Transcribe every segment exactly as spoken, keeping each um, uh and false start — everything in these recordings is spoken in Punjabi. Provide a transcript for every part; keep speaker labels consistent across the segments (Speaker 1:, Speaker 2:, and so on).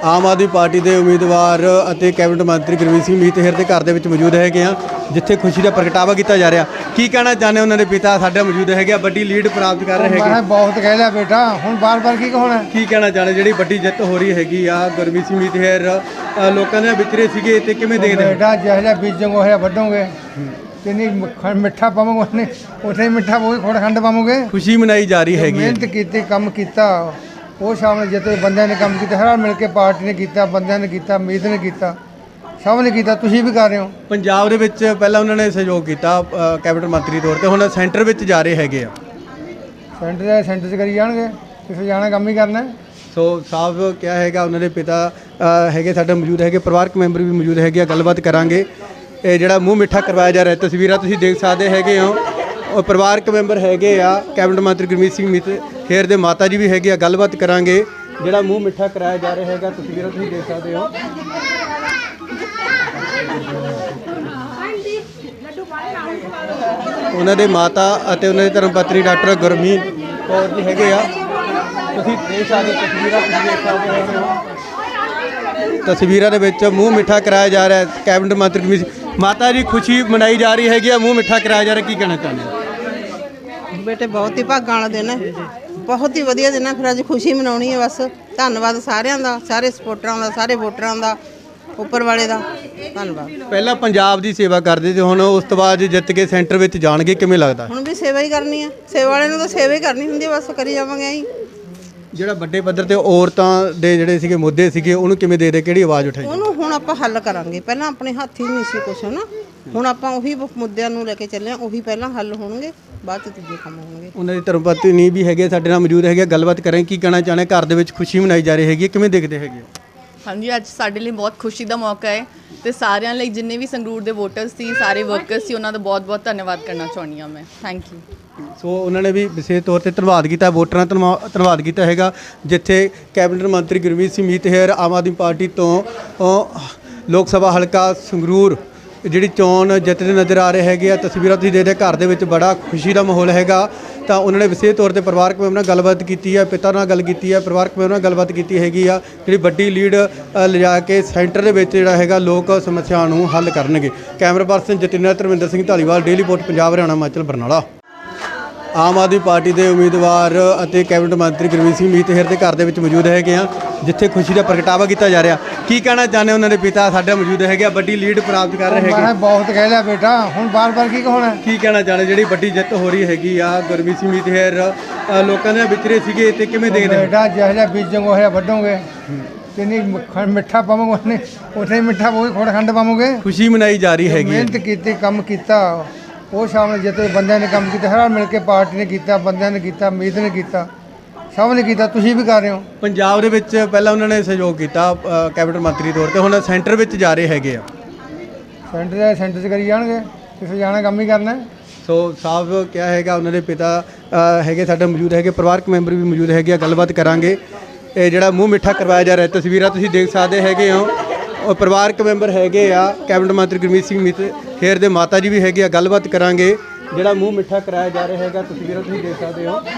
Speaker 1: ਆਮ ਆਦਮੀ ਪਾਰਟੀ ਦੇ ਉਮੀਦਵਾਰ ਅਤੇ ਕੈਬਨਿਟ ਮੰਤਰੀ ਗੁਰਮੀਤ ਸਿੰਘ ਮੀਤਹਿਰ ਦੇ ਘਰ ਦੇ ਵਿੱਚ ਮੌਜੂਦ ਹੈਗੇ ਆ, ਜਿੱਥੇ ਖੁਸ਼ੀ ਦਾ ਪ੍ਰਗਟਾਵਾ ਕੀਤਾ ਜਾ ਰਿਹਾ। ਕੀ ਕਹਿਣਾ ਚਾਹੁੰਦੇ ਉਹਨਾਂ ਦੇ ਪਿਤਾ ਸਾਡੇ ਮੌਜੂਦ ਹੈਗੇ ਆ, ਵੱਡੀ ਲੀਡ ਪ੍ਰਾਪਤ ਕਰ ਰਹੇ ਹੈਗੇ।
Speaker 2: ਮੈਂ ਬਹੁਤ ਕਹਿ ਲਿਆ ਬੇਟਾ, ਹੁਣ ਬਾਰ-ਬਾਰ ਕੀ ਕਹਣਾ।
Speaker 1: ਕੀ ਕਹਿਣਾ ਚਾਹੁੰਦੇ ਜਿਹੜੀ ਵੱਡੀ ਜਿੱਤ ਹੋ ਰਹੀ ਹੈਗੀ ਆ ਗੁਰਮੀਤ ਸਿੰਘ ਮੀਤਹਿਰ, ਲੋਕਾਂ ਦੇ ਵਿਚਰੇ ਸੀਗੇ ਤੇ ਕਿਵੇਂ ਦੇਖਦੇ
Speaker 2: ਬੇਟਾ? ਜਿਹੋ ਜਿਹਾ ਬੀਜੋਗੇ ਉਹ ਜਿਹਾ ਵੱਢੋਗੇ। ਜਿੰਨੀ ਮਿੱਠਾ ਪਾਵੋਗੇ ਉਹਨੇ ਉੱਥੇ ਮਿੱਠਾ ਪਾਵੋਗੇ, ਖੋੜ ਖੰਡ ਪਾਵੋਗੇ।
Speaker 1: ਖੁਸ਼ੀ ਮਨਾਈ ਜਾ ਰਹੀ ਹੈਗੀ।
Speaker 2: ਮਿਹਨਤ ਕੀਤੀ, ਕੰਮ ਕੀਤਾ, ਉਹ ਸਾਹਮਣੇ ਜਿੱਤੇ ਬੰਦਿਆਂ ਨੇ ਕੰਮ ਕੀਤਾ, ਹਰ ਮਿਲ ਕੇ ਪਾਰਟੀ ਨੇ ਕੀਤਾ, ਬੰਦਿਆਂ ਨੇ ਕੀਤਾ, ਉਮੀਦ ਨੇ ਕੀਤਾ, ਸਭ ਨੇ ਕੀਤਾ। ਤੁਸੀਂ ਵੀ ਕਰ ਰਹੇ ਹੋ।
Speaker 1: ਪੰਜਾਬ ਦੇ ਵਿੱਚ ਪਹਿਲਾਂ ਉਹਨਾਂ ਨੇ ਸਹਿਯੋਗ ਕੀਤਾ ਕੈਬਨਿਟ ਮੰਤਰੀ ਤੌਰ ਤੇ, ਹੁਣ ਸੈਂਟਰ ਵਿੱਚ ਜਾ ਰਹੇ ਹੈਗੇ ਆ।
Speaker 2: ਸੈਂਟਰ ਸੈਂਟਰ 'ਚ ਕਰੀ ਜਾਣਗੇ, ਕਿਸੇ ਜਾਣਾ ਕੰਮ ਹੀ ਕਰਨਾ।
Speaker 1: ਸੋ ਸਾਫ ਕਿਹਾ ਹੈਗਾ ਉਹਨਾਂ ਦੇ ਪਿਤਾ ਹੈਗੇ ਸਾਡੇ ਮੌਜੂਦ ਹੈਗੇ, ਪਰਿਵਾਰਕ ਮੈਂਬਰ ਵੀ ਮੌਜੂਦ ਹੈਗੇ ਆ, ਗੱਲਬਾਤ ਕਰਾਂਗੇ। ਇਹ ਜਿਹੜਾ ਮੂੰਹ ਮਿੱਠਾ ਕਰਵਾਇਆ ਜਾ ਰਿਹਾ, ਤਸਵੀਰਾਂ ਤੁਸੀਂ ਦੇਖ ਸਕਦੇ ਹੈਗੇ ਹੋ। ਉਹ ਪਰਿਵਾਰਕ ਮੈਂਬਰ ਹੈਗੇ ਆ ਕੈਬਨਿਟ ਮੰਤਰੀ ਗੁਰਮੀਤ ਸਿੰਘ ਮੀਤਹਿਰ ਦੇ ਮਾਤਾ ਜੀ ਵੀ ਹੈਗੇ ਆ, ਗੱਲਬਾਤ ਕਰਾਂਗੇ। ਜਿਹੜਾ ਮੂੰਹ ਮਿੱਠਾ ਕਰਾਇਆ ਜਾ ਰਿਹਾ ਹੈਗਾ, ਤਸਵੀਰਾਂ ਤੁਸੀਂ ਦੇਖ ਸਕਦੇ ਹੋ। ਉਹਨਾਂ ਦੇ ਮਾਤਾ ਅਤੇ ਉਹਨਾਂ ਦੀ ਧਰਮ ਪਤਨੀ ਡਾਕਟਰ ਗੁਰਮੀਤ ਕੌਰ ਜੀ ਹੈਗੇ ਆ, ਤੁਸੀਂ ਦੇਖ ਸਕਦੇ ਤਸਵੀਰਾਂ ਤੁਸੀਂ ਦੇਖ ਸਕਦੇ ਹੈਗੇ ਹੋ। ਤਸਵੀਰਾਂ ਦੇ ਵਿੱਚ ਮੂੰਹ ਮਿੱਠਾ ਕਰਾਇਆ ਜਾ ਰਿਹਾ ਕੈਬਨਿਟ ਮੰਤਰੀ ਗੁਰਮੀਤ ਮਾਤਾ ਜੀ, ਖੁਸ਼ੀ ਮਨਾਈ ਜਾ ਰਹੀ ਹੈਗੀ ਆ, ਮੂੰਹ ਮਿੱਠਾ ਕਰਾਇਆ ਜਾ ਰਿਹਾ। ਕੀ ਕਹਿਣਾ ਚਾਹੁੰਦੇ ਹੋ?
Speaker 3: ਬੇਟੇ ਬਹੁਤ ਹੀ ਭਾਗਾਂ ਵਾਲਾ ਦਿਨ ਹੈ, ਬਹੁਤ ਹੀ ਵਧੀਆ ਦਿਨ ਹੈ। ਫਿਰ ਅੱਜ ਖੁਸ਼ੀ ਮਨਾਉਣੀ ਹੈ ਬਸ। ਧੰਨਵਾਦ ਸਾਰਿਆਂ ਦਾ, ਸਾਰੇ ਸਪੋਰਟਰਾਂ ਦਾ, ਸਾਰੇ ਵੋਟਰਾਂ ਦਾ, ਉੱਪਰ ਵਾਲੇ ਦਾ ਧੰਨਵਾਦ।
Speaker 1: ਪਹਿਲਾਂ ਪੰਜਾਬ ਦੀ ਸੇਵਾ ਕਰਦੇ ਤੇ ਹੁਣ ਉਸ ਤੋਂ ਬਾਅਦ ਜਿੱਤ ਕੇ ਸੈਂਟਰ ਵਿੱਚ ਜਾਣਗੇ, ਕਿਵੇਂ ਲੱਗਦਾ?
Speaker 3: ਹੁਣ ਵੀ ਸੇਵਾ ਹੀ ਕਰਨੀ ਹੈ, ਸੇਵਾ ਵਾਲਿਆਂ ਨੂੰ ਤਾਂ ਸੇਵਾ ਹੀ ਕਰਨੀ ਹੁੰਦੀ ਹੈ, ਬਸ ਕਰੀ ਜਾਵਾਂਗੇ ਅਸੀਂ।
Speaker 1: ਜਿਹੜਾ ਵੱਡੇ ਪੱਧਰ ਤੇ ਔਰਤਾਂ ਦੇ ਜਿਹੜੇ ਸੀਗੇ ਮੁੱਦੇ ਸੀਗੇ, ਉਹਨੂੰ ਕਿਵੇਂ ਦੇ ਦੇ, ਕਿਹੜੀ ਆਵਾਜ਼ ਉਠਾਈ?
Speaker 3: ਉਹਨੂੰ ਹੁਣ ਆਪਾਂ ਹੱਲ ਕਰਾਂਗੇ। ਪਹਿਲਾਂ ਆਪਣੇ ਹੱਥ ਹੀ ਨਹੀਂ ਸੀ ਕੁਛ ਨਾ, ਹੁਣ ਆਪਾਂ ਉਹੀ ਮੁੱਦਿਆਂ ਨੂੰ ਲੈ ਕੇ ਚੱਲੇ ਹਾਂ, ਉਹੀ ਪਹਿਲਾਂ ਹੱਲ ਹੋਣਗੇ, ਬਾਅਦ ਚ ਦੂਜੇ ਕੰਮ ਹੋਣਗੇ। ਉਹਨਾਂ
Speaker 1: ਦੀ ਧਰਮ ਪਤਨੀ ਵੀ ਹੈਗੇ ਸਾਡੇ ਨਾਲ ਮੌਜੂਦ ਹੈਗੇ, ਗੱਲਬਾਤ ਕਰਾਂਗੇ। ਕੀ ਕਹਿਣਾ ਚਾਹੁੰਦੇ? ਘਰ ਦੇ ਵਿੱਚ ਖੁਸ਼ੀ ਮਨਾਈ ਜਾ ਰਹੀ ਹੈਗੀ, ਕਿਵੇਂ ਦੇਖਦੇ ਹੈਗੇ?
Speaker 4: ਹਾਂਜੀ, ਅੱਜ ਸਾਡੇ ਲਈ ਬਹੁਤ ਖੁਸ਼ੀ ਦਾ ਮੌਕਾ ਹੈ ਤੇ ਸਾਰਿਆਂ ਲਈ ਜਿੰਨੇ ਵੀ ਸੰਗਰੂਰ ਦੇ ਵੋਟਰਸ ਸੀ, ਸਾਰੇ ਵਰਕਰਸ ਸੀ, ਉਹਨਾਂ ਦਾ ਬਹੁਤ-ਬਹੁਤ ਧੰਨਵਾਦ ਕਰਨਾ ਚਾਹੁੰਦੀ ਹਾਂ ਮੈਂ। Thank you.
Speaker 1: ਸੋ ਉਹਨਾਂ ਨੇ ਵੀ ਵਿਸ਼ੇਸ਼ ਤੌਰ ਤੇ ਧੰਨਵਾਦ ਕੀਤਾ, ਵੋਟਰਾਂ ਦਾ ਧੰਨਵਾਦ ਕੀਤਾ ਹੈਗਾ, ਜਿੱਥੇ ਕੈਬਨਿਟ ਮੰਤਰੀ ਗੁਰਮੀਤ ਸਿੰਘ ਮੀਤਹਿਰ ਆਮ ਆਦਮੀ ਪਾਰਟੀ ਤੋਂ ਲੋਕ ਸਭਾ ਹਲਕਾ ਸੰਗਰੂਰ ਜਿਹੜੀ ਚੋਣ ਜਿੱਤਦੇ ਨਜ਼ਰ ਆ ਰਹੇ ਹੈਗੇ ਆ। ਤਸਵੀਰਾਂ ਤੁਸੀਂ ਦੇਖਦੇ, ਘਰ ਦੇ ਵਿੱਚ ਬੜਾ ਖੁਸ਼ੀ ਦਾ ਮਾਹੌਲ ਹੈਗਾ। ਤਾਂ ਉਹਨਾਂ ਨੇ ਵਿਸ਼ੇਸ਼ ਤੌਰ ਤੇ ਪਰਿਵਾਰਕ ਮੈਂਬਰ ਨਾਲ ਗੱਲਬਾਤ ਕੀਤੀ ਹੈ, ਪਿਤਾ ਨਾਲ ਗੱਲ ਕੀਤੀ ਹੈ, ਪਰਿਵਾਰਕ ਮੈਂਬਰ ਨਾਲ ਗੱਲਬਾਤ ਕੀਤੀ ਹੈਗੀ ਆ। ਜਿਹੜੀ ਵੱਡੀ ਲੀਡ ਲਿਜਾ ਕੇ ਸੈਂਟਰ ਦੇ ਵਿੱਚ ਜਿਹੜਾ ਹੈਗਾ ਲੋਕ ਸਮੱਸਿਆ ਨੂੰ ਹੱਲ ਕਰਨਗੇ। Camera person Jatinder Dharminder Singh Dhaliwal, daily post Punjab, Haryana, Himachal, Barnala. Aam Aadmi party ਦੇ ਉਮੀਦਵਾਰ ਅਤੇ ਕੈਬਨਿਟ ਮੰਤਰੀ ਗੁਰਮੀਤ ਸਿੰਘ ਮੀਤਹਿਰ ਦੇ ਘਰ ਦੇ ਵਿੱਚ ਮੌਜੂਦ ਹੈਗੇ ਆ, ਜਿੱਥੇ ਖੁਸ਼ੀ ਦਾ ਪ੍ਰਗਟਾਵਾ ਕੀਤਾ ਜਾ ਰਿਹਾ। ਕੀ ਕਹਿਣਾ ਚਾਹੁੰਦੇ ਉਹਨਾਂ ਦੇ ਪਿਤਾ ਸਾਡੇ ਮੌਜੂਦ ਹੈਗੇ ਆ, ਵੱਡੀ ਲੀਡ ਪ੍ਰਾਪਤ ਕਰ ਰਹੇ ਹੈਗੇ।
Speaker 2: ਮੈਂ ਬਹੁਤ ਕਹਿ ਲਿਆ ਬੇਟਾ, ਹੁਣ ਬਾਰ-ਬਾਰ ਕੀ ਕਹਣਾ।
Speaker 1: ਕੀ ਕਹਿਣਾ ਚਾਹੁੰਦੇ ਜਿਹੜੀ ਵੱਡੀ ਜਿੱਤ ਹੋ ਰਹੀ ਹੈਗੀ ਆ ਗੁਰਮੀਤ ਸਿੰਘ ਮੀਤਹਿਰ, ਲੋਕਾਂ ਦੇ ਵਿਚਰੇ ਸੀਗੇ ਤੇ ਕਿਵੇਂ ਦੇਖਦੇ?
Speaker 2: ਬੇਟਾ ਜਿਹੋ ਜਿਹਾ ਬੀਜੋਗੇ ਉਹ ਜਿਹਾ ਵੱਢੋਗੇ। ਜਿੰਨੀ ਮਿੱਠਾ ਪਾਵੋਗੇ ਉਹਨੇ ਉੱਥੇ ਮਿੱਠਾ ਪਾਵੋਗੇ, ਖੋੜ ਖੰਡ ਪਾਵੋਗੇ।
Speaker 1: ਖੁਸ਼ੀ ਮਨਾਈ ਜਾ ਰਹੀ ਹੈਗੀ।
Speaker 2: ਮਿਹਨਤ ਕੀਤੀ, ਕੰਮ ਕੀਤਾ, ਉਹ ਸਾਹਮਣੇ ਜਿੱਤੇ ਬੰਦਿਆਂ ਨੇ ਕੰਮ ਕੀਤਾ, ਹਰ ਮਿਲ ਕੇ ਪਾਰਟੀ ਨੇ ਕੀਤਾ, ਬੰਦਿਆਂ ਨੇ ਕੀਤਾ, ਉਮੀਦ ਨੇ ਕੀਤਾ, ਸਭ ਨੇ ਕੀਤਾ। ਤੁਸੀਂ ਵੀ ਕਰ ਰਹੇ ਹੋ। ਪੰਜਾਬ
Speaker 1: ਦੇ ਵਿੱਚ ਪਹਿਲਾਂ ਉਹਨਾਂ ਨੇ ਸਹਿਯੋਗ ਕੀਤਾ ਕੈਬਨਿਟ ਮੰਤਰੀ ਤੌਰ ਤੇ, ਹੁਣ ਸੈਂਟਰ ਵਿੱਚ ਜਾ ਰਹੇ ਹੈਗੇ ਆ।
Speaker 2: ਸੈਂਟਰ ਸੈਂਟਰ 'ਚ ਕਰੀ ਜਾਣਗੇ, ਕਿਸੇ ਜਾਣਾ ਕੰਮ ਹੀ ਕਰਨਾ।
Speaker 1: ਸੋ ਸਾਫ ਕਿਹਾ ਹੈਗਾ ਉਹਨਾਂ ਦੇ ਪਿਤਾ ਹੈਗੇ ਸਾਡੇ ਮੌਜੂਦ ਹੈਗੇ, ਪਰਿਵਾਰਕ ਮੈਂਬਰ ਵੀ ਮੌਜੂਦ ਹੈਗੇ ਆ, ਗੱਲਬਾਤ ਕਰਾਂਗੇ। ਇਹ ਜਿਹੜਾ ਮੂੰਹ ਮਿੱਠਾ ਕਰਵਾਇਆ ਜਾ ਰਿਹਾ, ਤਸਵੀਰਾਂ ਤੁਸੀਂ ਦੇਖ ਸਕਦੇ ਹੈਗੇ ਹੋ। ਉਹ ਪਰਿਵਾਰਕ ਮੈਂਬਰ ਹੈਗੇ ਆ ਕੈਬਨਿਟ ਮੰਤਰੀ ਗੁਰਮੀਤ ਸਿੰਘ ਮੀਤਹਿਰ ਦੇ ਮਾਤਾ ਜੀ ਵੀ ਹੈਗੇ ਆ, ਗੱਲਬਾਤ ਕਰਾਂਗੇ। ਜਿਹੜਾ ਮੂੰਹ ਮਿੱਠਾ ਕਰਾਇਆ ਜਾ ਰਿਹਾ ਹੈਗਾ, ਤਸਵੀਰਾਂ ਤੁਸੀਂ ਦੇਖ ਸਕਦੇ ਹੋ।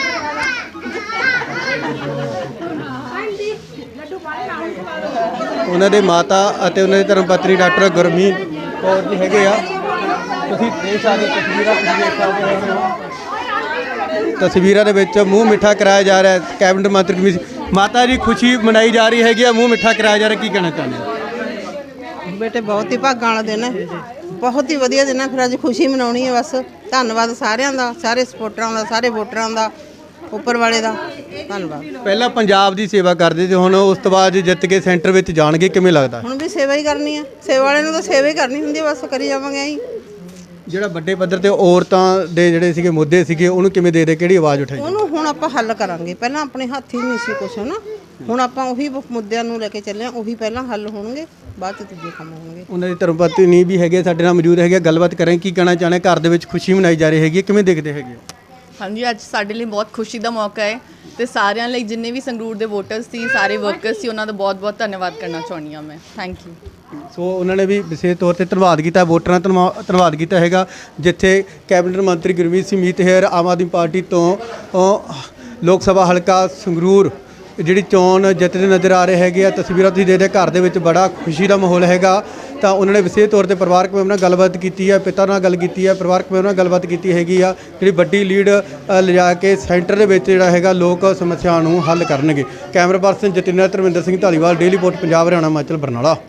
Speaker 1: ਉਹਨਾਂ ਦੇ ਮਾਤਾ ਅਤੇ ਉਹਨਾਂ ਦੀ ਧਰਮ ਪਤਨੀ ਡਾਕਟਰ ਗੁਰਮੀਤ ਕੌਰ ਜੀ ਹੈਗੇ ਆ, ਤੁਸੀਂ ਦੇਖ ਸਕਦੇ ਤਸਵੀਰਾਂ ਤੁਸੀਂ ਦੇਖ ਸਕਦੇ ਹੈਗੇ ਹੋ। ਤਸਵੀਰਾਂ ਦੇ ਵਿੱਚ ਮੂੰਹ ਮਿੱਠਾ ਕਰਾਇਆ ਜਾ ਰਿਹਾ ਕੈਬਨਿਟ ਮੰਤਰੀ ਗੁਰਮੀਤ ਮਾਤਾ ਜੀ, ਖੁਸ਼ੀ ਮਨਾਈ ਜਾ ਰਹੀ ਹੈਗੀ ਆ, ਮੂੰਹ ਮਿੱਠਾ ਕਰਾਇਆ ਜਾ ਰਿਹਾ। ਕੀ ਕਹਿਣਾ ਚਾਹੁੰਦੇ?
Speaker 3: ਬੇਟੇ ਬਹੁਤ ਹੀ ਭਾਗਾਂ ਵਾਲਾ ਦਿਨ ਹੈ, ਬਹੁਤ ਹੀ ਵਧੀਆ ਦਿਨ ਹੈ। ਫਿਰ ਅੱਜ ਖੁਸ਼ੀ ਮਨਾਉਣੀ ਹੈ ਬਸ। ਧੰਨਵਾਦ ਸਾਰਿਆਂ ਦਾ, ਸਾਰੇ ਸਪੋਰਟਰਾਂ ਦਾ, ਸਾਰੇ ਵੋਟਰਾਂ ਦਾ, ਉੱਪਰ ਵਾਲੇ ਦਾ ਧੰਨਵਾਦ।
Speaker 1: ਪਹਿਲਾਂ ਪੰਜਾਬ ਦੀ ਸੇਵਾ ਕਰਦੇ ਤੇ ਹੁਣ ਉਸ ਤੋਂ ਬਾਅਦ ਜਿੱਤ ਕੇ ਸੈਂਟਰ ਵਿੱਚ ਜਾਣਗੇ, ਕਿਵੇਂ ਲੱਗਦਾ?
Speaker 3: ਹੁਣ ਵੀ ਸੇਵਾ ਹੀ ਕਰਨੀ ਹੈ, ਸੇਵਾ ਵਾਲਿਆਂ ਨੂੰ ਤਾਂ ਸੇਵਾ ਹੀ ਕਰਨੀ ਹੁੰਦੀ ਹੈ, ਬਸ ਕਰੀ ਜਾਵਾਂਗੇ ਅਸੀਂ।
Speaker 1: ਜਿਹੜਾ ਵੱਡੇ ਪੱਧਰ ਤੇ ਔਰਤਾਂ ਦੇ ਜਿਹੜੇ ਸੀਗੇ ਮੁੱਦੇ ਸੀਗੇ, ਉਹਨੂੰ ਕਿਵੇਂ ਦੇ ਦੇ, ਕਿਹੜੀ ਆਵਾਜ਼ ਉਠਾਈ?
Speaker 3: ਉਹਨੂੰ ਹੁਣ ਆਪਾਂ ਹੱਲ ਕਰਾਂਗੇ। ਪਹਿਲਾਂ ਆਪਣੇ ਹੱਥ ਹੀ ਨਹੀਂ ਸੀ ਕੁਛ ਨਾ, ਹੁਣ ਆਪਾਂ ਉਹੀ ਮੁੱਦਿਆਂ ਨੂੰ ਲੈ ਕੇ ਚੱਲੇ ਹਾਂ, ਉਹੀ ਪਹਿਲਾਂ ਹੱਲ ਹੋਣਗੇ, ਬਾਅਦ ਚ ਦੂਜੇ ਕੰਮ ਹੋਣਗੇ।
Speaker 1: ਉਹਨਾਂ ਦੀ ਧਰਮ ਪਤਨੀ ਵੀ ਹੈਗੇ ਸਾਡੇ ਨਾਲ ਮੌਜੂਦ ਹੈਗੇ, ਗੱਲਬਾਤ ਕਰਾਂਗੇ। ਕੀ ਕਹਿਣਾ ਚਾਹੁੰਦੇ? ਘਰ ਦੇ ਵਿੱਚ ਖੁਸ਼ੀ ਮਨਾਈ ਜਾ ਰਹੀ ਹੈਗੀ, ਕਿਵੇਂ ਦੇਖਦੇ ਹੈਗੇ?
Speaker 4: ਹਾਂਜੀ, ਅੱਜ ਸਾਡੇ ਲਈ ਬਹੁਤ ਖੁਸ਼ੀ ਦਾ ਮੌਕਾ ਹੈ ਤੇ ਸਾਰਿਆਂ ਲਈ ਜਿੰਨੇ ਵੀ ਸੰਗਰੂਰ ਦੇ ਵੋਟਰਸ ਸੀ, ਸਾਰੇ ਵਰਕਰਸ ਸੀ, ਉਹਨਾਂ ਦਾ ਬਹੁਤ-ਬਹੁਤ ਧੰਨਵਾਦ ਕਰਨਾ ਚਾਹੁੰਦੀ ਹਾਂ ਮੈਂ। Thank you.
Speaker 1: ਸੋ ਉਹਨਾਂ ਨੇ ਵੀ ਵਿਸ਼ੇਸ਼ ਤੌਰ ਤੇ ਧੰਨਵਾਦ ਕੀਤਾ, ਵੋਟਰਾਂ ਦਾ ਧੰਨਵਾਦ ਕੀਤਾ ਹੈਗਾ, ਜਿੱਥੇ ਕੈਬਨਿਟ ਮੰਤਰੀ ਗੁਰਮੀਤ ਸਿੰਘ ਮੀਤਹਿਰ ਆਮ ਆਦਮੀ ਪਾਰਟੀ ਤੋਂ ਲੋਕ ਸਭਾ ਹਲਕਾ ਸੰਗਰੂਰ ਜਿਹੜੀ ਚੋਣ ਜਿੱਤਦੇ ਨਜ਼ਰ ਆ ਰਹੇ ਹੈਗੇ ਆ। ਤਸਵੀਰਾਂ ਤੁਸੀਂ ਦੇਖਦੇ ਘਰ ਦੇ ਵਿੱਚ ਬੜਾ ਖੁਸ਼ੀ ਦਾ ਮਾਹੌਲ ਹੈਗਾ। ਤਾਂ ਉਹਨਾਂ ਨੇ ਵਿਸ਼ੇਸ਼ ਤੌਰ ਤੇ ਪਰਿਵਾਰਕ ਮੈਂਬਰਾਂ ਨਾਲ ਗੱਲਬਾਤ ਕੀਤੀ ਹੈ, ਪਿਤਾ ਨਾਲ ਗੱਲ ਕੀਤੀ ਹੈ, ਪਰਿਵਾਰਕ ਮੈਂਬਰਾਂ ਨਾਲ ਗੱਲਬਾਤ ਕੀਤੀ ਹੈਗੀ ਆ। ਜਿਹੜੀ ਵੱਡੀ ਲੀਡ ਅ, ਲਿਜਾ ਕੇ ਸੈਂਟਰ ਦੇ ਵਿੱਚ ਜਿਹੜਾ ਹੈਗਾ ਲੋਕ ਸਮੱਸਿਆ ਨੂੰ ਹੱਲ ਕਰਨਗੇ। Camera person Jatinder Dharminder Singh Dhaliwal, daily post Punjab, Haryana, Himachal, Barnala.